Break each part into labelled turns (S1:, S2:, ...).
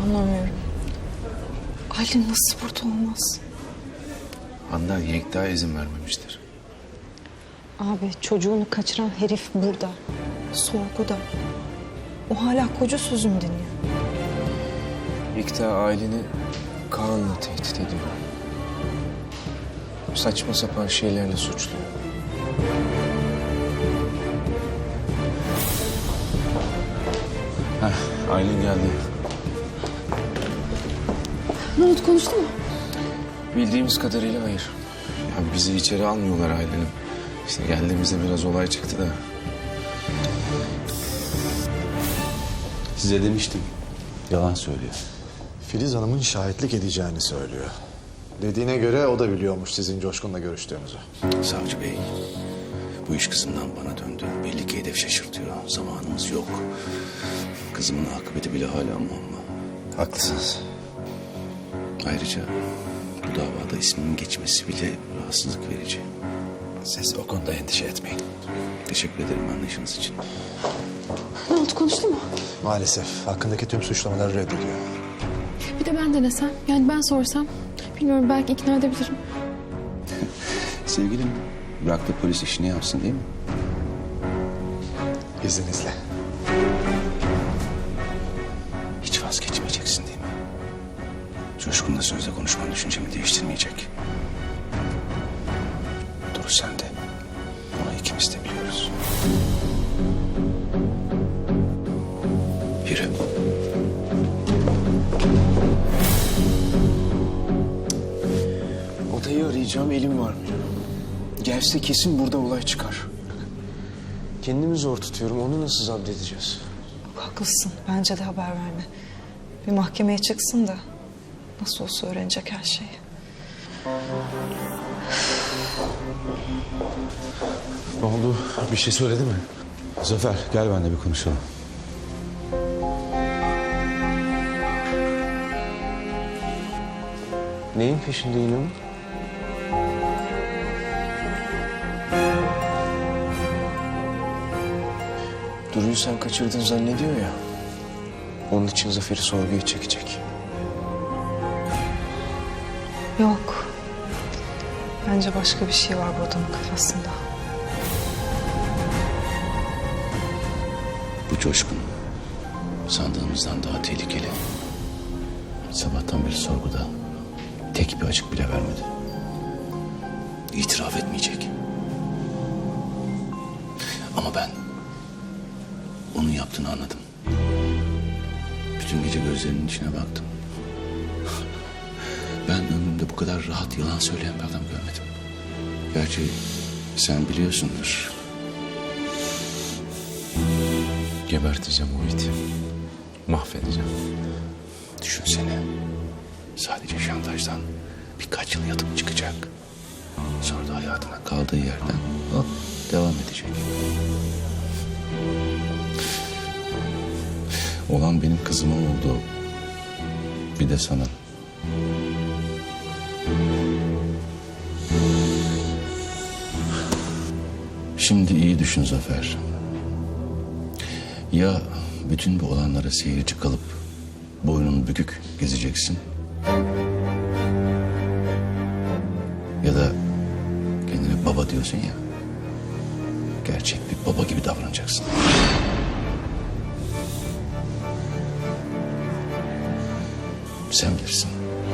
S1: Anlamıyorum. Aylin nasıl burada olmaz?
S2: Handan Yekta izin vermemiştir.
S1: Abi çocuğunu kaçıran herif burada. Sorguda. O hala koca sözümü dinliyor.
S3: Yekta aileni Kaan'la tehdit ediyor. Saçma sapan şeylerle suçluyor.
S2: Aylin geldi.
S1: Ne oldu, konuştu mu?
S3: Bildiğimiz kadarıyla hayır.
S2: Ya bizi içeri almıyorlar Aylin'im. İşte geldiğimizde biraz olay çıktı da.
S4: Size demiştim. Yalan söylüyor.
S5: Filiz Hanım'ın şahitlik edeceğini söylüyor. Dediğine göre o da biliyormuş sizin Coşkun'la görüştüğünüzü.
S4: Savcı bey, bu iş kızımdan bana döndü. Belli ki hedef şaşırtıyor. Zamanımız yok. Kızımın akıbeti bile hala muamma.
S2: Haklısınız.
S4: Ayrıca bu davada ismimin geçmesi bile rahatsızlık verici.
S2: Siz o konuda endişe etmeyin.
S4: Teşekkür ederim anlayışınız için.
S1: Ne oldu, konuştu mu?
S5: Maalesef hakkındaki tüm suçlamaları reddediyor.
S6: Bir de ben denesem, yani ben sorsam, bilmiyorum, belki ikna edebilirim.
S4: Sevgilim, bırak da polis işini yapsın değil mi?
S5: İzninizle.
S4: Hiç vazgeçmeyeceksin değil mi? Coşkun'la sözle konuşman düşüncemi değiştirmeyecek. Dur sen de. Bunu ikimiz de biliyoruz. Yürü.
S3: Odayı arayacağım, elim varmıyor. Gelse kesin burada olay çıkar. Kendimi zor tutuyorum, onu nasıl zapt edeceğiz?
S1: Haklısın. Bence de haber verme. Bir mahkemeye çıksın da nasıl olsa öğrenecek her şeyi.
S4: Ne oldu? Bir şey söyledi mi? Zafer gel benimle bir konuşalım.
S3: Neyin peşinde yine mi? Duru'yu sen kaçırdın zannediyor ya. Onun için Zafer'i sorguya çekecek.
S1: Yok. Bence başka bir şey var bu adamın kafasında.
S4: Bu Coşkun sandığımızdan daha tehlikeli. Sabahtan beri sorguda tek bir açık bile vermedi. İtiraf etmeyecek. Ama ben onun yaptığını anladım. Bütün gece gözlerinin içine baktım. Ben ömrümde bu kadar rahat yalan söyleyen bir adam görmedim. Gerçi sen biliyorsundur.
S2: Geberteceğim o iti. Mahvedeceğim.
S4: Düşünsene. Sadece şantajdan birkaç yıl yatıp çıkacak. Sonra da hayatına kaldığı yerden hop devam edecek. Olan benim kızıma oldu. Bir de sana. Şimdi iyi düşün Zafer. Ya bütün bu olanlara seyirci kalıp boynun bükük gezeceksin. Ya da kendine baba diyorsun ya. Gerçek bir baba gibi davranacaksın. Sen bilirsin.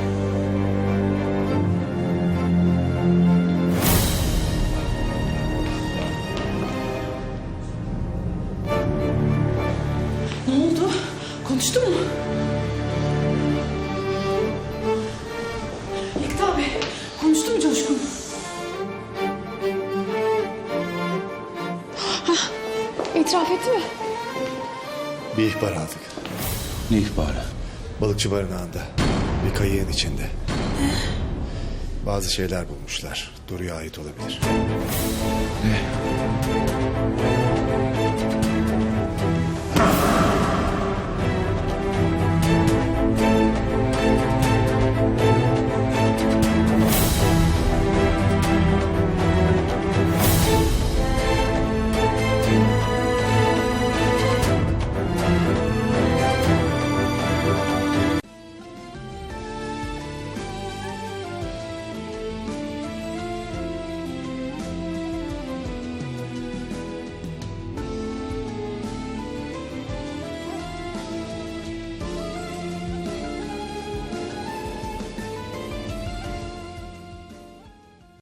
S6: Ne oldu? Konuştu mu? Yekta abi, konuştu mu Coşkun? Hah, itiraf etti mi?
S5: Bir ihbar aldık.
S4: Ne ihbarı?
S5: Balıkçı barınağında. Bir kayığın içinde. Bazı şeyler bulmuşlar. Duru'ya ait olabilir.
S4: Ne?